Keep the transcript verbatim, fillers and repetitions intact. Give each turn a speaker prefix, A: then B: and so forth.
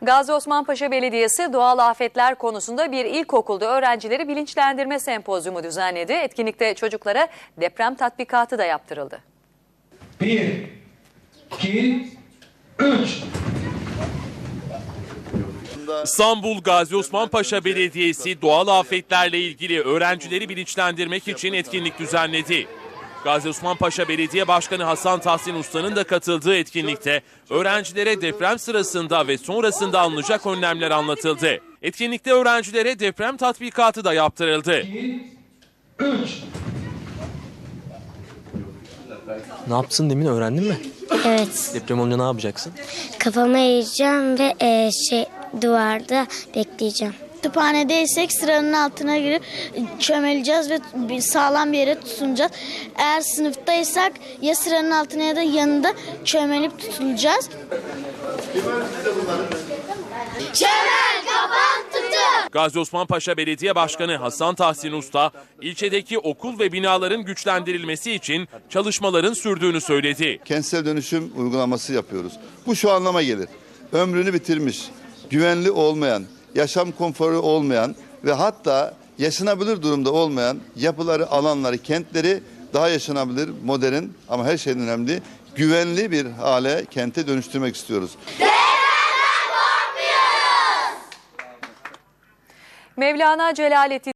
A: Gazi Osman Paşa Belediyesi doğal afetler konusunda bir ilkokulda öğrencileri bilinçlendirme sempozyumu düzenledi. Etkinlikte çocuklara deprem tatbikatı da yaptırıldı.
B: Bir, iki, üç.
C: İstanbul Gazi Osman Paşa Belediyesi doğal afetlerle ilgili öğrencileri bilinçlendirmek için etkinlik düzenledi. Gazi Osman Paşa Belediye Başkanı Hasan Tahsin Usta'nın da katıldığı etkinlikte öğrencilere deprem sırasında ve sonrasında alınacak önlemler anlatıldı. Etkinlikte öğrencilere deprem tatbikatı da yaptırıldı.
B: iki, üç.
D: Ne yapsın demin öğrendin mi?
E: Evet.
D: Deprem olunca ne yapacaksın?
E: Kafama eğeceğim ve e, şey duvarda bekleyeceğim.
F: Kütüphanedeysek sıranın altına girip çömeleceğiz ve bir sağlam bir yere tutunacağız. Eğer sınıftaysak ya sıranın altına ya da yanında çömelip tutulacağız.
E: Çömel kafan tutun.
C: Gazi Osman Paşa Belediye Başkanı Hasan Tahsin Usta, ilçedeki okul ve binaların güçlendirilmesi için çalışmaların sürdüğünü söyledi.
G: Kentsel dönüşüm uygulaması yapıyoruz. Bu şu anlama gelir: ömrünü bitirmiş, güvenli olmayan, yaşam konforu olmayan ve hatta yaşanabilir durumda olmayan yapıları, alanları, kentleri daha yaşanabilir, modern ama her şeyden önemli güvenli bir hale, kente dönüştürmek istiyoruz.
A: Mevlana Celaleddin